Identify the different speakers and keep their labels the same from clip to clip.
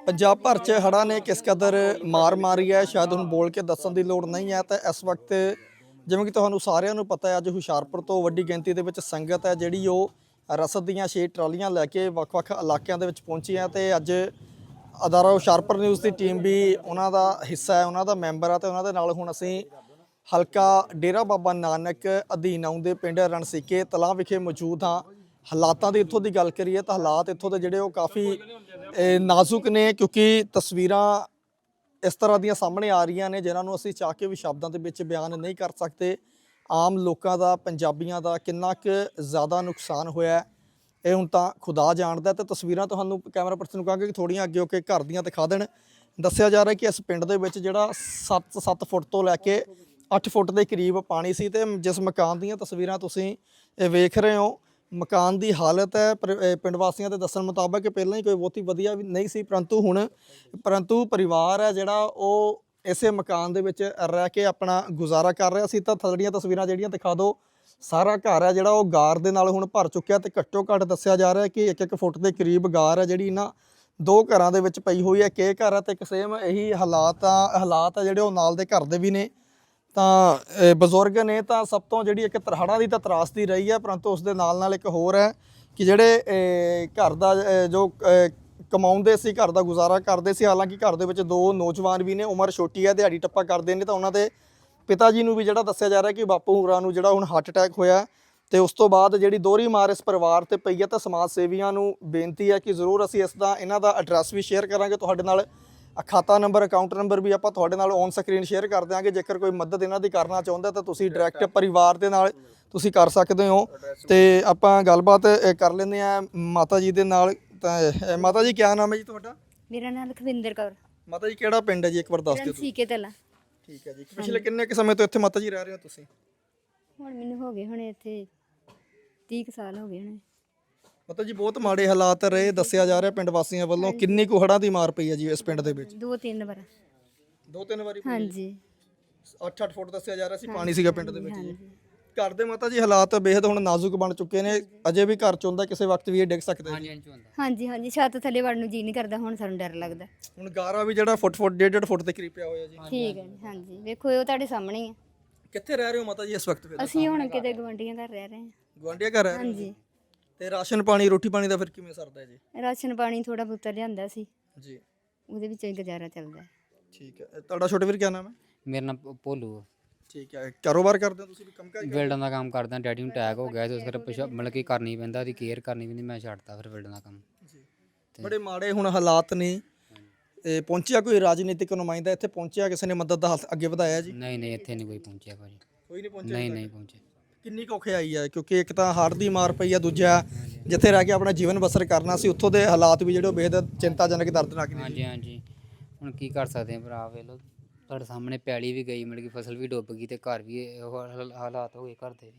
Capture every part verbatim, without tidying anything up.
Speaker 1: ਪੰਜਾਬ ਭਰ 'ਚ ਹੜ੍ਹਾਂ ਨੇ ਕਿਸ ਕਦਰ ਮਾਰ ਮਾਰੀ ਹੈ ਸ਼ਾਇਦ ਹੁਣ ਬੋਲ ਕੇ ਦੱਸਣ ਦੀ ਲੋੜ ਨਹੀਂ ਹੈ। ਤਾਂ ਇਸ ਵਕਤ ਜਿਵੇਂ ਕਿ ਤੁਹਾਨੂੰ ਸਾਰਿਆਂ ਨੂੰ ਪਤਾ ਹੈ, ਅੱਜ ਹੁਸ਼ਿਆਰਪੁਰ ਤੋਂ ਵੱਡੀ ਗਿਣਤੀ ਦੇ ਵਿੱਚ ਸੰਗਤ ਹੈ ਜਿਹੜੀ ਉਹ ਰਸਦ ਦੀਆਂ ਛੇ ਟਰਾਲੀਆਂ ਲੈ ਕੇ ਵੱਖ-ਵੱਖ ਇਲਾਕਿਆਂ ਦੇ ਵਿੱਚ ਪਹੁੰਚੀ ਹੈ। ਤੇ ਅੱਜ ਅਦਾਰਾ ਹੁਸ਼ਿਆਰਪੁਰ ਨਿਊਜ਼ ਦੀ ਟੀਮ ਵੀ ਉਹਨਾਂ ਦਾ ਹਿੱਸਾ ਹੈ, ਉਹਨਾਂ ਦਾ ਮੈਂਬਰ ਹੈ। ਤੇ ਉਹਨਾਂ ਦੇ ਨਾਲ ਹੁਣ ਅਸੀਂ ਹਲਕਾ ਡੇਰਾ ਬਾਬਾ ਨਾਨਕ ਅਧੀਨ ਆਉਂਦੇ ਪਿੰਡ ਰਣਸੀਕੇ ਤਲਾਹ ਵਿਖੇ ਮੌਜੂਦ ਹਾਂ। ਹਾਲਾਤਾਂ ਦੀ ਇੱਥੋਂ ਦੀ ਗੱਲ ਕਰੀਏ ਤਾਂ ਹਾਲਾਤ ਇੱਥੋਂ ਦੇ ਜਿਹੜੇ ਉਹ ਕਾਫੀ ਨਾਜ਼ੁਕ ਨੇ, ਕਿਉਂਕਿ ਤਸਵੀਰਾਂ ਇਸ ਤਰ੍ਹਾਂ ਦੀਆਂ ਸਾਹਮਣੇ ਆ ਰਹੀਆਂ ਨੇ ਜਿਨ੍ਹਾਂ ਨੂੰ ਅਸੀਂ ਚਾਹ ਕੇ ਵੀ ਸ਼ਬਦਾਂ ਦੇ ਵਿੱਚ ਬਿਆਨ ਨਹੀਂ ਕਰ ਸਕਦੇ। ਆਮ ਲੋਕਾਂ ਦਾ, ਪੰਜਾਬੀਆਂ ਦਾ ਕਿੰਨਾ ਕੁ ਜ਼ਿਆਦਾ ਨੁਕਸਾਨ ਹੋਇਆ ਇਹ ਹੁਣ ਤਾਂ ਖੁਦਾ ਜਾਣਦਾ। ਤੇ ਤਸਵੀਰਾਂ ਤੁਹਾਨੂੰ ਕੈਮਰਾ ਪਰਸਨ ਨੂੰ ਕਹਾਂਗੇ ਕਿ ਥੋੜ੍ਹੀਆਂ ਅੱਗੇ ਹੋ ਕੇ ਘਰ ਦੀਆਂ ਦਿਖਾ ਦੇਣ। ਦੱਸਿਆ ਜਾ ਰਿਹਾ ਕਿ ਇਸ ਪਿੰਡ ਦੇ ਵਿੱਚ ਜਿਹੜਾ ਸੱਤ ਸੱਤ ਫੁੱਟ ਤੋਂ ਲੈ ਕੇ ਅੱਠ ਫੁੱਟ ਦੇ ਕਰੀਬ ਪਾਣੀ ਸੀ। ਤੇ ਜਿਸ ਮਕਾਨ ਦੀਆਂ ਤਸਵੀਰਾਂ ਤੁਸੀਂ ਇਹ ਵੇਖ ਰਹੇ ਹੋ, ਮਕਾਨ ਦੀ ਹਾਲਤ ਹੈ ਪਿੰਡ ਵਾਸੀਆਂ ਦੇ ਦੱਸਣ ਮੁਤਾਬਕ ਪਹਿਲਾਂ ਹੀ ਕੋਈ ਬਹੁਤੀ ਵਧੀਆ ਵੀ ਨਹੀਂ ਸੀ, ਪਰੰਤੂ ਹੁਣ ਪਰੰਤੂ ਪਰਿਵਾਰ ਹੈ ਜਿਹੜਾ ਉਹ ਇਸੇ ਮਕਾਨ ਦੇ ਵਿੱਚ ਰਹਿ ਕੇ ਆਪਣਾ ਗੁਜ਼ਾਰਾ ਕਰ ਰਿਹਾ ਸੀ। ਤਾਂ ਥੱਲੜੀਆਂ ਤਸਵੀਰਾਂ ਜਿਹੜੀਆਂ ਦਿਖਾ ਦਿਓ, ਸਾਰਾ ਘਰ ਹੈ ਜਿਹੜਾ ਉਹ ਗਾਰ ਦੇ ਨਾਲ ਹੁਣ ਭਰ ਚੁੱਕਿਆ। ਤੇ ਘੱਟੋ ਘੱਟ ਦੱਸਿਆ ਜਾ ਰਿਹਾ ਕਿ ਇੱਕ ਇੱਕ ਫੁੱਟ ਦੇ ਕਰੀਬ ਗਾਰ ਹੈ ਜਿਹੜੀ ਇਹਨਾਂ ਦੋ ਘਰਾਂ ਦੇ ਵਿੱਚ ਪਈ ਹੋਈ ਹੈ। ਕਿ ਘਰ ਹੈ ਤੇ ਇੱਕ ਸੇਮ ਇਹੀ ਹਾਲਾਤ ਆ ਹਾਲਾਤ ਆ ਜਿਹੜੇ ਉਹ ਨਾਲ ਦੇ ਘਰ ਦੇ ਵੀ ਨੇ। ਤਾਂ ਬਜ਼ੁਰਗ ਨੇ ਤਾਂ ਸਭ ਤੋਂ ਜਿਹੜੀ ਇੱਕ ਹੜ੍ਹਾਂ ਦੀ ਤਾਂ ਤਰਾਸਦੀ ਰਹੀ ਹੈ, ਪਰੰਤੂ ਉਸ ਦੇ ਨਾਲ ਨਾਲ ਇੱਕ ਹੋਰ ਹੈ ਕਿ ਜਿਹੜੇ ਘਰ ਦਾ ਜੋ ਕਮਾਉਂਦੇ ਸੀ, ਘਰ ਦਾ ਗੁਜ਼ਾਰਾ ਕਰਦੇ ਸੀ। ਹਾਲਾਂਕਿ ਘਰ ਦੇ ਵਿੱਚ ਦੋ ਨੌਜਵਾਨ ਵੀ ਨੇ, ਉਮਰ ਛੋਟੀ ਹੈ, ਦਿਹਾੜੀ ਟੱਪਾ ਕਰਦੇ ਨੇ। ਤਾਂ ਉਹਨਾਂ ਦੇ ਪਿਤਾ ਜੀ ਨੂੰ ਵੀ ਜਿਹੜਾ ਦੱਸਿਆ ਜਾ ਰਿਹਾ ਕਿ ਬਾਪੂ ਹੋਰਾਂ ਨੂੰ ਜਿਹੜਾ ਹੁਣ ਹਾਰਟ ਅਟੈਕ ਹੋਇਆ। ਤੇ ਉਸ ਤੋਂ ਬਾਅਦ ਜਿਹੜੀ ਦੋਹਰੀ ਮਾਰ ਇਸ ਪਰਿਵਾਰ ਤੇ ਪਈ ਹੈ। ਤਾਂ ਸਮਾਜ ਸੇਵੀਆਂ ਨੂੰ ਬੇਨਤੀ ਹੈ ਕਿ ਜ਼ਰੂਰ ਅਸੀਂ ਇਸ ਦਾ ਇਹਨਾਂ ਦਾ ਐਡਰੈਸ ਵੀ ਸ਼ੇਅਰ ਕਰਾਂਗੇ ਤੁਹਾਡੇ ਨਾਲ, ਖਾਤਾ ਨੰਬਰ, ਅਕਾਊਂਟ ਨੰਬਰ ਵੀ ਆਪਾਂ ਤੁਹਾਡੇ ਨਾਲ ਔਨ ਸਕਰੀਨ ਸ਼ੇਅਰ ਕਰ ਦਿਆਂਗੇ। ਜੇਕਰ ਕੋਈ ਮਦਦ ਇਹਨਾਂ ਦੀ ਕਰਨਾ ਚਾਹੁੰਦਾ ਤਾਂ ਤੁਸੀਂ ਡਾਇਰੈਕਟ ਪਰਿਵਾਰ ਦੇ ਨਾਲ ਤੁਸੀਂ ਕਰ ਸਕਦੇ ਹੋ। ਤੇ ਆਪਾਂ ਗੱਲਬਾਤ ਕਰ ਲੈਂਦੇ ਆ ਮਾਤਾ ਜੀ ਦੇ ਨਾਲ। ਤਾਂ ਮਾਤਾ ਜੀ ਕਿਆ ਨਾਮ ਹੈ ਜੀ ਤੁਹਾਡਾ?
Speaker 2: ਮੇਰਾ ਨਾਮ ਲਖਵਿੰਦਰ ਕੌਰ।
Speaker 1: ਮਾਤਾ ਜੀ ਕਿਹੜਾ ਪਿੰਡ ਹੈ ਜੀ, ਇੱਕ ਵਾਰ ਦੱਸ ਦਿਓ।
Speaker 2: ਰਣਸੀਕੇ ਤਲਾ।
Speaker 1: ਠੀਕ ਹੈ ਜੀ। ਪਿਛਲੇ ਕਿੰਨੇ ਕੁ ਸਮੇਂ ਤੋਂ ਇੱਥੇ ਮਾਤਾ ਜੀ ਰਹਿ ਰਹੇ ਹੋ ਤੁਸੀਂ?
Speaker 2: ਹੁਣ ਮੈਨੂੰ ਹੋ ਗਏ ਹੁਣੇ ਇੱਥੇ ਤੀਹ ਕੁ ਸਾਲ ਹੋ ਗਏ ਹੁਣੇ।
Speaker 1: ਮਾਤਾ ਜੀ ਬਹੁਤ ਮਾੜੇ ਹਾਲਾਤ ਰਹੇ, ਦੱਸਿਆ ਜਾ ਰਿਹਾ ਪਿੰਡ ਵਾਸੀਆਂ ਵੱਲੋਂ। ਕਿੰਨੀ ਕੁ ਹੜ੍ਹਾਂ ਦੀ ਮਾਰ ਪਈ ਹੈ ਜੀ ਇਸ ਪਿੰਡ ਦੇ ਵਿੱਚ?
Speaker 2: ਦੋ ਤਿੰਨ ਵਾਰ।
Speaker 1: ਦੋ ਤਿੰਨ ਵਾਰੀ?
Speaker 2: ਹਾਂਜੀ।
Speaker 1: ਅੱਠ ਅੱਠ ਫੁੱਟ ਦੱਸਿਆ ਜਾ ਰਿਹਾ ਸੀ ਪਾਣੀ ਸੀਗਾ ਪਿੰਡ ਦੇ ਵਿੱਚ ਜੀ। ਘਰ ਦੇ ਮਾਤਾ ਜੀ ਹਾਲਾਤ ਬੇਹੱਦ ਹੁਣ ਨਾਜ਼ੁਕ ਬਣ ਚੁੱਕੇ ਨੇ। ਅਜੇ ਵੀ ਘਰ ਚ ਹੁੰਦਾ ਕਿਸੇ ਵਕਤ ਵੀ ਇਹ ਡਿੱਗ ਸਕਦੇ ਨੇ।
Speaker 2: ਹਾਂਜੀ ਹਾਂਜੀ, ਛੱਤ ਥੱਲੇ ਵੜਨ ਨੂੰ ਜੀ ਨਹੀਂ ਕਰਦਾ ਹੁਣ, ਸਾਨੂੰ ਡਰ ਲੱਗਦਾ।
Speaker 1: ਹੁਣ ਗਾਰਾ ਵੀ ਜਿਹੜਾ ਫੁੱਟ ਫੁੱਟ ਡੇਢ ਡੇਢ ਫੁੱਟ ਦੇ ਕਰੀਬ ਪਿਆ ਹੋਇਆ ਜੀ।
Speaker 2: ਠੀਕ ਹੈ ਜੀ। ਹਾਂਜੀ ਵੇਖੋ ਉਹ ਤੁਹਾਡੇ ਸਾਹਮਣੇ ਹੀ ਹੈ।
Speaker 1: ਕਿੱਥੇ ਰਹਿ ਰਹੇ ਹੋ ਮਾਤਾ ਜੀ ਇਸ ਵਕਤ?
Speaker 2: ਅਸੀਂ ਹੁਣ ਕਿਤੇ ਗਵਾਂਢੀਆਂ ਘਰ ਰਹਿ ਰਹੇ ਹਾਂ।
Speaker 1: ਗਵਾਂਢੀਆਂ ਘਰ ਰਹਿ ਰਹੇ?
Speaker 2: ਹਾਂਜੀ।
Speaker 1: ਤੇ ਰਾਸ਼ਨ ਪਾਣੀ, ਰੋਟੀ ਪਾਣੀ ਦਾ ਫਿਰ ਕਿਵੇਂ ਸਰਦਾ ਹੈ ਜੀ?
Speaker 2: ਰਾਸ਼ਨ ਪਾਣੀ ਥੋੜਾ ਬਹੁਤਾ ਲਿਆਂਦਾ ਸੀ
Speaker 1: ਜੀ,
Speaker 2: ਉਹਦੇ ਵਿੱਚੋਂ ਹੀ ਗੁਜ਼ਾਰਾ ਚੱਲਦਾ।
Speaker 1: ਠੀਕ ਹੈ। ਤੁਹਾਡਾ ਛੋਟੇ ਵੀਰ ਕਿਆ ਨਾਮ ਹੈ?
Speaker 3: ਮੇਰਾ ਨਾਮ ਭੋਲੂ ਆ।
Speaker 1: ਠੀਕ ਹੈ। ਕਾਰੋਬਾਰ ਕਰਦੇ ਹੋ ਤੁਸੀਂ? ਵੀ ਕੰਮ ਕਰ?
Speaker 3: ਬਿਲਡਾਂ ਦਾ ਕੰਮ ਕਰਦਾ। ਡੈਡੀ ਨੂੰ ਅਟੈਕ ਹੋ ਗਿਆ ਤੇ ਉਸ ਕਰਕੇ ਮਤਲਬ ਕਿ ਕਰਨੀ ਪੈਂਦਾ, ਉਹਦੀ ਕੇਅਰ ਕਰਨੀ ਪੈਂਦੀ। ਮੈਂ ਛੱਡਤਾ ਫਿਰ ਬਿਲਡਾਂ ਦਾ ਕੰਮ
Speaker 1: ਜੀ। ਬੜੇ ਮਾੜੇ ਹੁਣ ਹਾਲਾਤ ਨੇ। ਇਹ ਪਹੁੰਚਿਆ ਕੋਈ ਰਾਜਨੀਤਿਕ ਨੁਮਾਇੰਦਾ ਇੱਥੇ? ਪਹੁੰਚਿਆ ਕਿਸੇ ਨੇ ਮਦਦ ਦਾ ਹੱਥ ਅੱਗੇ ਵਧਾਇਆ ਜੀ?
Speaker 3: ਨਹੀਂ ਨਹੀਂ, ਇੱਥੇ ਨਹੀਂ ਕੋਈ ਪਹੁੰਚਿਆ ਭਾਜੀ।
Speaker 1: ਕੋਈ ਨਹੀਂ ਪਹੁੰਚਿਆ?
Speaker 3: ਨਹੀਂ ਨਹੀਂ ਪਹੁੰਚਿਆ।
Speaker 1: ਕਿੰਨੀ ਕੁ ਔਖਿਆਈ ਹੈ, ਕਿਉਂਕਿ ਇੱਕ ਤਾਂ ਹੜ੍ਹ ਦੀ ਮਾਰ ਪਈ ਹੈ, ਦੂਜਾ ਜਿੱਥੇ ਰਹਿ ਕੇ ਆਪਣਾ ਜੀਵਨ ਬਸਰ ਕਰਨਾ ਸੀ ਉੱਥੋਂ ਦੇ ਹਾਲਾਤ ਵੀ ਜਿਹੜੇ ਬੇਹੱਦ ਚਿੰਤਾਜਨਕ, ਦਰਦਨਾਕ ਨੇ।
Speaker 3: ਹਾਂਜੀ ਹਾਂਜੀ, ਹੁਣ ਕੀ ਕਰ ਸਕਦੇ ਆ ਭਰਾ, ਵੇਖ ਲਓ ਤੁਹਾਡੇ ਸਾਹਮਣੇ ਪੈਲੀ ਵੀ ਗਈ, ਮਤਲਬ ਕਿ ਫਸਲ ਵੀ ਡੁੱਬ ਗਈ ਤੇ ਘਰ ਵੀ ਇਹੋ ਹਾਲ- ਹਾਲਾਤ ਹੋ ਗਏ ਘਰ ਦੇ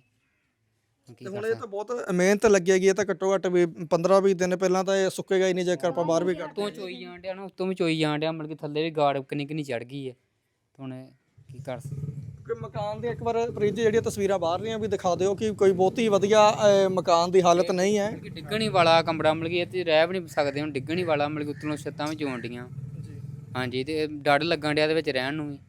Speaker 3: ਵੀ। ਕੀ
Speaker 1: ਤੇ
Speaker 3: ਕਰ
Speaker 1: ਹੁਣ ਇਹ ਤਾਂ ਬਹੁਤ ਮਿਹਨਤ ਲੱਗੇਗੀ। ਇਹ ਤਾਂ ਘੱਟੋ ਘੱਟ ਵੀ ਪੰਦਰਾਂ ਵੀਹ ਦਿਨ ਪਹਿਲਾਂ ਤਾਂ ਇਹ ਸੁੱਕੇਗਾ ਹੀ ਨਹੀਂ ਜੇਕਰ ਆਪਾਂ ਬਾਹਰ ਵੀ ਕੱਢਦੇ।
Speaker 3: ਉੱਤੋਂ ਚੋਈ ਜਾਣ ਡਿਆ ਨਾ, ਉੱਤੋਂ ਵੀ ਚੋਈ ਜਾਣ ਡਿਆ, ਮਤਲਬ ਕਿ ਥੱਲੇ ਵੀ ਗਾੜ ਕਿੰਨੀ ਕਿੰਨੀ ਚੜ ਗਈ ਹੈ। ਹੁਣ ਕੀ ਕਰ ਸਕਦੇ?
Speaker 1: ਕਿ ਮਕਾਨ ਦੀ ਇੱਕ ਵਾਰ ਪ੍ਰੀਤ ਜੀ ਜਿਹੜੀਆਂ ਤਸਵੀਰਾਂ ਬਾਹਰ ਦੀਆਂ ਵੀ ਦਿਖਾ ਦਿਓ ਕਿ ਕੋਈ ਬਹੁਤੀ ਵਧੀਆ ਅਹ, ਮਕਾਨ ਦੀ ਹਾਲਤ ਨਹੀਂ ਹੈ।
Speaker 3: ਕਿ ਡਿੱਗਣ ਹੀ ਵਾਲਾ ਕਮਰਾ, ਮਤਲਬ ਕਿ ਇਹ ਤੇ ਰਹਿ ਵੀ ਨਹੀਂ ਸਕਦੇ ਹੁਣ, ਡਿੱਗਣ ਹੀ ਵਾਲਾ, ਮਤਲਬ ਕਿ ਉੱਤੋਂ ਛੱਤਾਂ ਵੀ ਚੋਣ ਡੀਆਂ। ਹਾਂਜੀ, ਤੇ ਡਰ ਲੱਗਣ ਡਿਆ ਦੇ ਵਿੱਚ ਰਹਿਣ ਨੂੰ ਵੀ।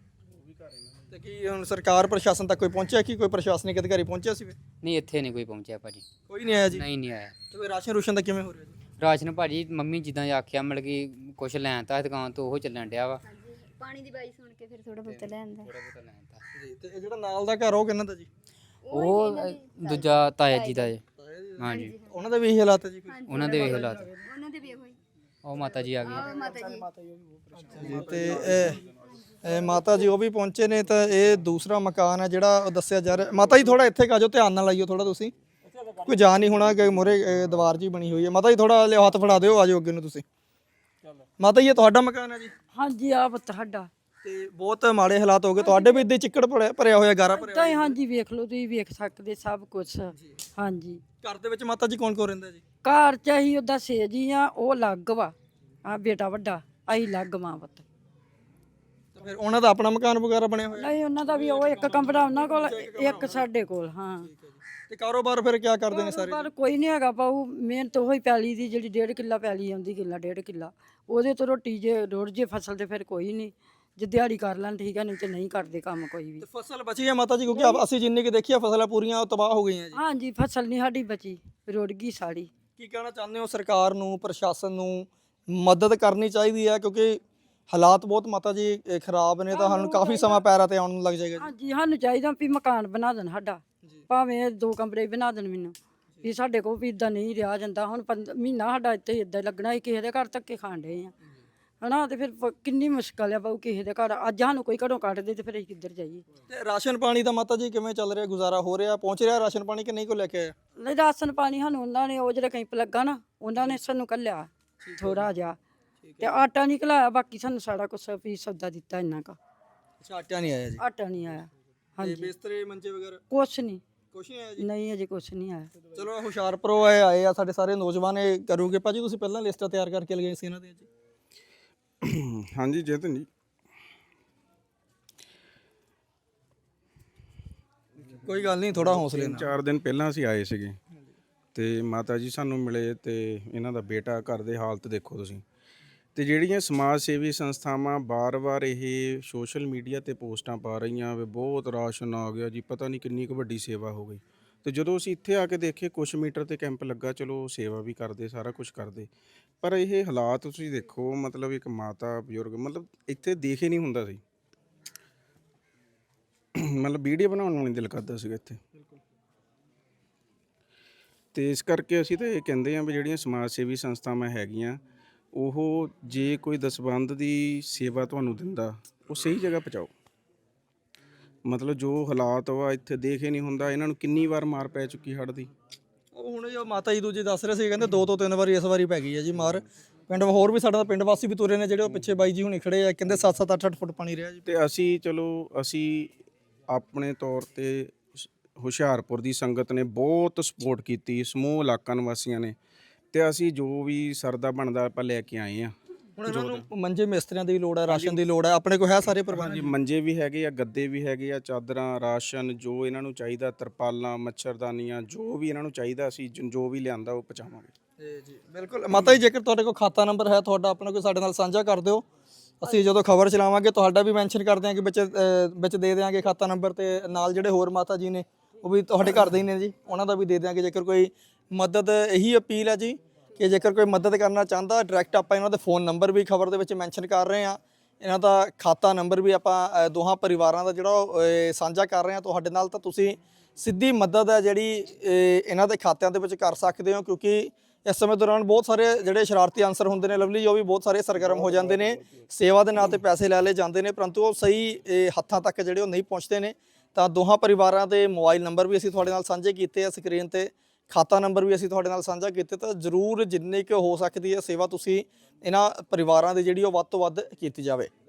Speaker 1: ਤੇ ਕੀ ਹੁਣ ਸਰਕਾਰ ਪ੍ਰਸ਼ਾਸਨ ਤੱਕ ਕੋਈ ਪਹੁੰਚਿਆ? ਕਿ ਕੋਈ ਪ੍ਰਸ਼ਾਸਨਿਕ ਅਧਿਕਾਰੀ ਪਹੁੰਚਿਆ ਸੀ?
Speaker 3: ਨਹੀਂ, ਇੱਥੇ ਨਹੀਂ ਕੋਈ ਪਹੁੰਚਿਆ ਭਾਜੀ।
Speaker 1: ਕੋਈ ਨਹੀਂ ਆਇਆ ਜੀ?
Speaker 3: ਨਹੀਂ ਨਹੀਂ ਆਇਆ।
Speaker 1: ਤੇ ਕੋਈ ਰਾਸ਼ਨ ਰੂਸ਼ਨ ਦਾ ਕਿਵੇਂ ਹੋ ਰਿਹਾ ਜੀ?
Speaker 3: ਰਾਸ਼ਨ ਭਾਜੀ ਮੰਮੀ ਜਿੱਦਾਂ ਆਖਿਆ, ਮਤਲਬ ਕਿ ਕੁਛ ਲੈਣ ਤਾਂ ਦੁਕਾਨ ਤੋਂ ਉਹ ਚੱਲਣ ਡਿਆ ਵਾ।
Speaker 2: ਪਾਣੀ ਦੀ ਬਾਈ ਸੁਣ ਕੇ ਫਿਰ ਥੋੜਾ ਬਹੁਤਾ ਲੈ ਆਂਦਾ।
Speaker 3: ਥੋੜਾ ਬਹੁਤਾ ਲੈਣ ਤਾਂ
Speaker 1: ਜੀ। ਤੇ ਇਹ ਜਿਹੜਾ ਨਾਲ ਦਾ ਘਰ ਉਹ ਕਿਹਨਾਂ ਦਾ ਜੀ?
Speaker 3: ਉਹ ਦੂਜਾ ਤਾਇਆ ਜੀ ਦਾ ਜੀ। ਹਾਂਜੀ,
Speaker 1: ਉਹਨਾਂ ਦੇ ਵੀ ਇਹੀ ਹਾਲਾਤ ਹੈ ਜੀ?
Speaker 3: ਉਹਨਾਂ ਦੇ ਵੀ ਹਾਲਾਤ।
Speaker 2: ਉਹਨਾਂ ਦੇ ਵੀ ਇਹੋ ਹੀ।
Speaker 3: ਉਹ ਮਾਤਾ ਜੀ ਆ ਗਏ।
Speaker 2: ਮਾਤਾ ਜੀ
Speaker 1: ਜੀ। ਤੇ ਇਹ ਇਹ ਮਾਤਾ ਜੀ ਉਹ ਵੀ ਪਹੁੰਚੇ ਨੇ। ਤਾਂ ਇਹ ਦੂਸਰਾ ਮਕਾਨ ਹੈ ਜਿਹੜਾ ਉਹ ਦੱਸਿਆ ਜਾ ਰਿਹਾ। ਮਾਤਾ ਜੀ ਥੋੜਾ ਇੱਥੇ ਕਾਜੋ, ਧਿਆਨ ਨਾਲ ਲਾਈਓ ਥੋੜਾ, ਤੁਸੀਂ ਕੋਈ ਜਾ ਨਹੀਂ ਹੋਣਾ ਕਿ ਮੂਹਰੇ ਦੀਵਾਰ ਜੀ ਬਣੀ ਹੋਈ ਹੈ। ਮਾਤਾ ਜੀ ਥੋੜਾ ਲਿਓ, ਹੱਥ ਫੜਾ ਦਿਓ, ਆਜੋ ਅੱਗੇ ਨੂੰ ਤੁਸੀਂ। ਮਾਤਾ ਜੀ ਇਹ ਤੁਹਾਡਾ ਮਕਾਨ ਹੈ ਜੀ?
Speaker 4: ਹਾਂਜੀ, ਆ ਪੁੱਤ ਸਾਡਾ।
Speaker 1: ਤੇ ਬਹੁਤ ਮਾੜੇ ਹਾਲਾਤ ਹੋ ਗਏ ਤੁਹਾਡੇ ਵੀ? ਇੱਦਾਂ ਚਿੱਕੜ ਭਰਿਆ ਭਰਿਆ ਹੋਇਆ, ਗਾਰਾ ਭਰਿਆ
Speaker 4: ਤਾਂ ਹੀ ਹਾਂਜੀ, ਵੇਖ ਲਓ ਤੁਸੀਂ, ਵੇਖ ਸਕਦੇ ਸਭ ਕੁਝ। ਹਾਂਜੀ।
Speaker 1: ਘਰ ਦੇ ਵਿੱਚ ਮਾਤਾ ਜੀ ਕੌਣ ਕੌਣ ਰਹਿੰਦਾ ਜੀ?
Speaker 4: ਘਰ ਚ ਅਸੀਂ ਉਹਦਾ ਸੇਜੀ ਆ, ਉਹ ਲੱਗ ਵਾ, ਆ ਬੇਟਾ ਵੱਡਾ, ਅਸੀਂ ਲੱਗ ਮਾਂ ਪੁੱਤ।
Speaker 1: ਫਿਰ ਉਹਨਾਂ ਦਾ ਆਪਣਾ ਮਕਾਨ ਵਗੈਰਾ ਬਣਿਆ ਹੋਇਆ?
Speaker 4: ਨਹੀਂ ਉਹਨਾਂ ਦਾ ਵੀ ਉਹ ਇੱਕ ਕਮਰਾ ਉਹਨਾਂ ਕੋਲ, ਇੱਕ ਸਾਡੇ ਕੋਲ। ਹਾਂ
Speaker 1: ਤੇ ਕਾਰੋਬਾਰ ਫਿਰ ਕੀ ਕਰਦੇ ਨੇ ਸਾਰੇ?
Speaker 4: ਪਰ ਕੋਈ ਨਹੀਂ ਹੈਗਾ ਬਾਊ, ਮਿਹਨਤ ਉਹੀ ਪੈਲੀ ਦੀ ਜਿਹੜੀ ਡੇਢ ਕਿੱਲਾ ਪੈਲੀ ਆਉਂਦੀ, ਕਿੱਲਾ ਡੇਢ ਕਿੱਲਾ, ਉਹਦੇ ਤੋਂ ਰੋਟੀ ਜੇ ਰੋੜ ਜੇ ਫਸਲ ਤੇ ਫਿਰ ਕੋਈ ਨਹੀਂ, ਜੇ ਦਿਹਾੜੀ ਕਰ ਲੈਣ ਠੀਕ ਹੈ, ਨਹੀਂ ਤੇ ਨਹੀਂ ਕਰਦੇ ਕੰਮ ਕੋਈ ਵੀ।
Speaker 1: ਤੇ ਫਸਲ ਬਚੀ ਹੈ ਮਾਤਾ ਜੀ? ਕਿਉਂਕਿ ਆਪ- ਅਸੀਂ ਜਿੰਨੀ ਕਿ ਦੇਖੀ ਆ ਫਸਲਾਂ ਪੂਰੀਆਂ ਤਬਾਹ ਹੋ ਗਈਆਂ ਜੀ।
Speaker 4: ਹਾਂਜੀ ਫਸਲ ਨਹੀਂ ਸਾਡੀ ਬਚੀ, ਰੁੜ ਗਈ ਸਾੜੀ।
Speaker 1: ਕੀ ਕਹਿਣਾ ਚਾਹੁੰਦੇ ਹੋ? ਸਰਕਾਰ ਨੂੰ, ਪ੍ਰਸ਼ਾਸਨ ਨੂੰ ਮਦਦ ਕਰਨੀ ਚਾਹੀਦੀ ਹੈ ਕਿਉਂਕਿ ਹਾਲਾਤ ਬਹੁਤ ਮਾਤਾ ਜੀ ਇਹ ਖਰਾਬ ਨੇ, ਤਾਂ ਸਾਨੂੰ ਕਾਫੀ ਸਮਾਂ ਪੈਰਾਂ ਤੇ ਆਉਣ ਨੂੰ ਲੱਗ ਜਾਏਗਾ ਜੀ।
Speaker 4: ਹਾਂਜੀ ਸਾਨੂੰ ਚਾਹੀਦਾ ਵੀ ਮਕਾਨ ਬਣਾ ਦੇਣ ਸਾਡਾ, ਭਾਵੇਂ ਦੋ ਕਮਰੇ ਹੀ ਬਣਾ ਦੇਣ ਮੈਨੂੰ, ਵੀ ਸਾਡੇ ਕੋਲ ਵੀ ਇਦਾਂ ਨਹੀਂ ਰਿਹਾ ਜਾਂਦਾ। ਹੁਣ ਪੰਦ- ਮਹੀਨਾ ਸਾਡਾ ਇੱਥੇ ਇਦਾਂ ਲੱਗਣਾ ਹੀ, ਕਿਸੇ ਦੇ ਘਰ ਧੱਕੇ ਖਾਣ ਡਏ ਆ ਹਨਾ, ਤੇ ਫਿਰ ਪ- ਕਿੰਨੀ ਮੁਸ਼ਕਲ ਆ ਬਾਊ ਕਿਸੇ ਦੇ ਘਰ। ਅੱਜ ਸਾਨੂੰ ਕੋਈ ਘਰੋਂ ਕੱਢ ਦੇ ਤੇ ਫਿਰ ਅਸੀਂ ਕਿੱਧਰ ਜਾਈਏ?
Speaker 1: ਤੇ ਰਾਸ਼ਨ ਪਾਣੀ ਦਾ ਮਾਤਾ ਜੀ ਕਿਵੇਂ ਚੱਲ ਰਿਹਾ, ਗੁਜ਼ਾਰਾ ਹੋ ਰਿਹਾ, ਪਹੁੰਚ ਰਿਹਾ ਰਾਸ਼ਨ ਪਾਣੀ ਕਿ ਨਹੀਂ ਕੋ ਲੈ ਕੇ ਆਇਆ?
Speaker 4: ਨਹੀਂ ਰਾਸ਼ਨ ਪਾਣੀ ਸਾਨੂੰ ਉਹਨਾਂ ਨੇ, ਉਹ ਜਿਹੜੇ ਕੈਂਪ ਲੱਗਾ ਨਾ, ਉਹਨਾਂ ਨੇ ਸਾਨੂੰ ਕੱਲਿਆ ਥੋੜਾ ਜਿਹਾ, ਤੇ ਆਟਾ ਨਹੀਂ ਘਲਾਇਆ, ਬਾਕੀ ਸਾਨੂੰ ਸਾਰਾ ਕੁਛ ਵੀ ਸੌਦਾ ਦਿੱਤਾ ਇੰਨਾ ਕਾ।
Speaker 1: ਅੱਛਾ, ਆਟਾ ਨਹੀਂ ਆਇਆ ਜੀ।
Speaker 4: ਆਟਾ ਨਹੀਂ ਆਇਆ।
Speaker 1: ਤੇ
Speaker 4: ਹਾਂਜੀ
Speaker 1: ਬਿਸਤਰੇ ਮੰਜੇ ਵਗੈਰਾ
Speaker 4: ਕੁਛ ਨਹੀਂ,
Speaker 1: ਕੁਛ ਨਹੀਂ ਆਇਆ ਜੀ?
Speaker 4: ਨਹੀਂ ਅਜੇ ਕੁਛ ਨਹੀਂ ਆਇਆ।
Speaker 1: ਚਲੋ ਹੁਸ਼ਿਆਰਪੁਰੋਂ ਆਏ ਆਏ ਆ ਸਾਡੇ ਸਾਰੇ ਨੌਜਵਾਨ, ਇਹ ਕਰੋਗੇ ਭਾਜੀ ਤੁਸੀਂ ਪਹਿਲਾਂ ਲਿਸਟਾਂ ਤਿਆਰ ਕਰਕੇ ਲਗਾਈ ਸੀ ਇਹਨਾਂ ਦੀਆਂ ਜੀ?
Speaker 5: ਹਾਂਜੀ ਜਤਨ ਜੀ,
Speaker 1: ਕੋਈ ਗੱਲ ਨਹੀਂ, ਥੋੜਾ ਹੌਸਲੇ
Speaker 5: ਤਿੰਨ
Speaker 1: ਨਾਲ।
Speaker 5: ਚਾਰ ਦਿਨ ਪਹਿਲਾਂ ਅਸੀਂ ਆਏ ਸੀਗੇ ਤੇ ਮਾਤਾ ਜੀ ਸਾਨੂੰ ਮਿਲੇ, ਤੇ ਇਹਨਾਂ ਦਾ ਬੇਟਾ, ਘਰ ਦੇ ਹਾਲਤ ਦੇਖੋ ਤੁਸੀਂ। ਤੇ ਜਿਹੜੀਆਂ ਸਮਾਜ ਸੇਵੀ ਸੰਸਥਾਵਾਂ ਬਾਰ-ਬਾਰ ਇਹ ਸੋਸ਼ਲ ਮੀਡੀਆ ਤੇ ਪੋਸਟਾਂ ਪਾ ਰਹੀਆਂ ਵੀ ਬਹੁਤ ਰਾਸ਼ਨ ਆ ਗਿਆ ਜੀ, ਪਤਾ ਨਹੀਂ ਕਿੰਨੀ ਕੁ ਵੱਡੀ ਸੇਵਾ ਹੋ ਗਈ। ਤੇ ਜਦੋਂ ਅਸੀਂ ਇੱਥੇ ਆ ਕੇ ਦੇਖੇ ਕੁਛ ਮੀਟਰ ਤੇ ਕੈਂਪ ਲੱਗਾ, ਚਲੋ ਸੇਵਾ ਵੀ ਕਰਦੇ, ਸਾਰਾ ਕੁਝ ਕਰਦੇ, ਪਰ ਇਹ ਹਾਲਾਤ ਤੁਸੀਂ ਦੇਖੋ, ਮਤਲਬ ਇੱਕ ਮਾਤਾ ਬਜ਼ੁਰਗ, ਮਤਲਬ ਇੱਥੇ ਦੇਖ ਹੀ ਨਹੀਂ ਹੁੰਦਾ ਸੀ, ਮਤਲਬ ਵੀਡੀਓ ਬਣਾਉਣ ਨੂੰ ਨਹੀਂ ਦਿਲ ਕਰਦਾ ਸੀਗਾ ਇੱਥੇ। ਤੇ ਇਸ ਕਰਕੇ ਅਸੀਂ ਤਾਂ ਇਹ ਕਹਿੰਦੇ ਹਾਂ ਵੀ ਜਿਹੜੀਆਂ ਸਮਾਜ ਸੇਵੀ ਸੰਸਥਾਵਾਂ ਹੈਗੀਆਂ, ਉਹ ਜੇ ਕੋਈ ਦਸਵੰਧ ਦੀ ਸੇਵਾ ਤੁਹਾਨੂੰ ਦਿੰਦਾ, ਉਹ ਸਹੀ ਜਗ੍ਹਾ ਪਹੁੰਚਾਓ। ਮਤਲਬ ਜੋ ਹਾਲਾਤ ਵਾ ਇੱਥੇ ਦੇਖ ਹੀ ਨਹੀਂ ਹੁੰਦਾ, ਇਹਨਾਂ ਨੂੰ ਕਿੰਨੀ ਵਾਰ ਮਾਰ ਪੈ ਚੁੱਕੀ ਹੜ੍ਹ ਦੀ।
Speaker 1: ਉਹ ਹੁਣ ਜੋ ਮਾਤਾ ਜੀ ਦੂਜੇ ਦੱਸ ਰਹੇ ਸੀ, ਕਹਿੰਦੇ ਦੋ ਤੋਂ ਤਿੰਨ ਵਾਰੀ ਇਸ ਵਾਰੀ ਪੈ ਗਈ ਹੈ ਜੀ ਮਾਰ। ਪਿੰਡ ਹੋਰ ਵੀ ਸਾਡਾ ਪਿੰਡ ਵਾਸੀ ਵੀ ਤੁਰੇ ਨੇ ਜਿਹੜੇ, ਉਹ ਪਿੱਛੇ ਬਾਈ ਜੀ ਹੁਣੀ ਖੜੇ ਆ, ਕਹਿੰਦੇ ਸੱਤ ਸੱਤ ਅੱਠ ਅੱਠ ਫੁੱਟ ਪਾਣੀ ਰਿਹਾ ਜੀ।
Speaker 5: ਤੇ ਅਸੀਂ ਚਲੋ ਅਸੀਂ ਆਪਣੇ ਤੌਰ ਤੇ ਸ- ਹੁਸ਼ਿਆਰਪੁਰ ਦੀ ਸੰਗਤ ਨੇ ਬਹੁਤ ਸਪੋਰਟ ਕੀਤੀ, ਸਮੂਹ ਇਲਾਕਾ ਨਿਵਾਸੀਆਂ ਨੇ, ਤੇ ਅਸੀਂ ਜੋ ਵੀ ਸਰਦਾ ਬਣਦਾ ਆਪਾਂ ਲੈ ਕੇ ਆਏ ਆ।
Speaker 1: ਹੁਣ ਇਹਨਾਂ ਨੂੰ ਮੰਜੇ ਮਿਸਤਰੀਆਂ ਦੀ ਵੀ ਲੋੜ ਹੈ, ਰਾਸ਼ਨ ਦੀ ਲੋੜ ਹੈ, ਆਪਣੇ ਕੋਲ ਹੈ ਸਾਰੇ ਪ੍ਰਬੰਧ?
Speaker 5: ਹਾਂਜੀ, ਮੰਜੇ ਵੀ ਹੈਗੇ ਆ, ਗੱਦੇ ਵੀ ਹੈਗੇ ਆ, ਚਾਦਰਾਂ, ਰਾਸ਼ਨ, ਜੋ ਇਹਨਾਂ ਨੂੰ ਚਾਹੀਦਾ, ਤਰਪਾਲਾਂ, ਮੱਛਰਦਾਨੀਆਂ, ਜੋ ਵੀ ਇਹਨਾਂ ਨੂੰ ਚਾਹੀਦਾ, ਅਸੀਂ ਜ- ਜੋ ਵੀ ਲਿਆਂਦਾ ਉਹ ਪਹੁੰਚਾਵਾਂਗੇ।
Speaker 1: ਜੀ ਬਿਲਕੁਲ ਮਾਤਾ ਜੀ, ਜੇਕਰ ਤੁਹਾਡੇ ਕੋਲ ਖਾਤਾ ਨੰਬਰ ਹੈ ਤੁਹਾਡਾ ਆਪਣਾ, ਕੋਈ ਸਾਡੇ ਨਾਲ ਸਾਂਝਾ ਕਰ ਦਿਓ। ਅਸੀਂ ਜਦੋਂ ਖਬਰ ਚਲਾਵਾਂਗੇ ਤੁਹਾਡਾ ਵੀ ਮੈਂਸ਼ਨ ਕਰ ਦਿਆਂਗੇ ਵਿੱਚ, ਅ, ਵਿੱਚ ਦੇ ਦਿਆਂਗੇ ਖਾਤਾ ਨੰਬਰ, ਤੇ ਨਾਲ ਜਿਹੜੇ ਹੋਰ ਮਾਤਾ ਜੀ ਨੇ ਉਹ ਵੀ ਤੁਹਾਡੇ ਘਰ ਦੇ ਹੀ ਨੇ ਜੀ, ਉਹਨਾਂ ਦਾ ਵੀ ਦੇ ਦਿਆਂਗੇ। ਜੇਕਰ ਕੋਈ ਮਦਦ, ਇਹੀ ਅਪੀਲ ਹੈ ਜੀ ਕਿ ਜੇਕਰ ਕੋਈ ਮਦਦ ਕਰਨਾ ਚਾਹੁੰਦਾ, ਡਾਇਰੈਕਟ ਆਪਾਂ ਇਹਨਾਂ ਦੇ ਫੋਨ ਨੰਬਰ ਵੀ ਖਬਰ ਦੇ ਵਿੱਚ ਮੈਂਸ਼ਨ ਕਰ ਰਹੇ ਹਾਂ, ਇਹਨਾਂ ਦਾ ਖਾਤਾ ਨੰਬਰ ਵੀ ਆਪਾਂ ਅ, ਦੋਹਾਂ ਪਰਿਵਾਰਾਂ ਦਾ ਜਿਹੜਾ ਉਹ, ਅ, ਸਾਂਝਾ ਕਰ ਰਹੇ ਹਾਂ ਤੁਹਾਡੇ ਨਾਲ, ਤਾਂ ਤੁਸੀਂ ਸਿੱਧੀ ਮਦਦ ਹੈ ਜਿਹੜੀ ਅ, ਇਹਨਾਂ ਦੇ ਖਾਤਿਆਂ ਦੇ ਵਿੱਚ ਕਰ ਸਕਦੇ ਹੋ। ਕਿਉਂਕਿ ਇਸ ਸਮੇਂ ਦੌਰਾਨ ਬਹੁਤ ਸਾਰੇ ਜਿਹੜੇ ਸ਼ਰਾਰਤੀ ਅਨਸਰ ਹੁੰਦੇ ਨੇ ਲਵਲੀ, ਉਹ ਵੀ ਬਹੁਤ ਸਾਰੇ ਸਰਗਰਮ ਹੋ ਜਾਂਦੇ ਨੇ, ਸੇਵਾ ਦੇ ਨਾਂ ਤੇ ਪੈਸੇ ਲੈ ਲਏ ਜਾਂਦੇ ਨੇ, ਪਰੰਤੂ ਉਹ ਸਹੀ ਅ, ਹੱਥਾਂ ਤੱਕ ਜਿਹੜੇ ਉਹ ਨਹੀਂ ਪਹੁੰਚਦੇ ਨੇ। ਤਾਂ ਦੋਹਾਂ ਪਰਿਵਾਰਾਂ ਦੇ ਮੋਬਾਈਲ ਨੰਬਰ ਵੀ ਅਸੀਂ ਤੁਹਾਡੇ ਨਾਲ ਸਾਂਝੇ ਕੀਤੇ ਆ ਸਕਰੀਨ ਤੇ, ਖਾਤਾ ਨੰਬਰ ਵੀ ਅਸੀਂ ਤੁਹਾਡੇ ਨਾਲ ਸਾਂਝਾ ਕੀਤੇ, ਤਾਂ ਜ਼ਰੂਰ ਜਿੰਨੀ ਕੁ ਹੋ ਸਕਦੀ ਹੈ ਸੇਵਾ ਤੁਸੀਂ ਇਹਨਾਂ ਪਰਿਵਾਰਾਂ ਦੀ ਜਿਹੜੀ ਉਹ ਵੱਧ ਤੋਂ ਵੱਧ ਕੀਤੀ ਜਾਵੇ।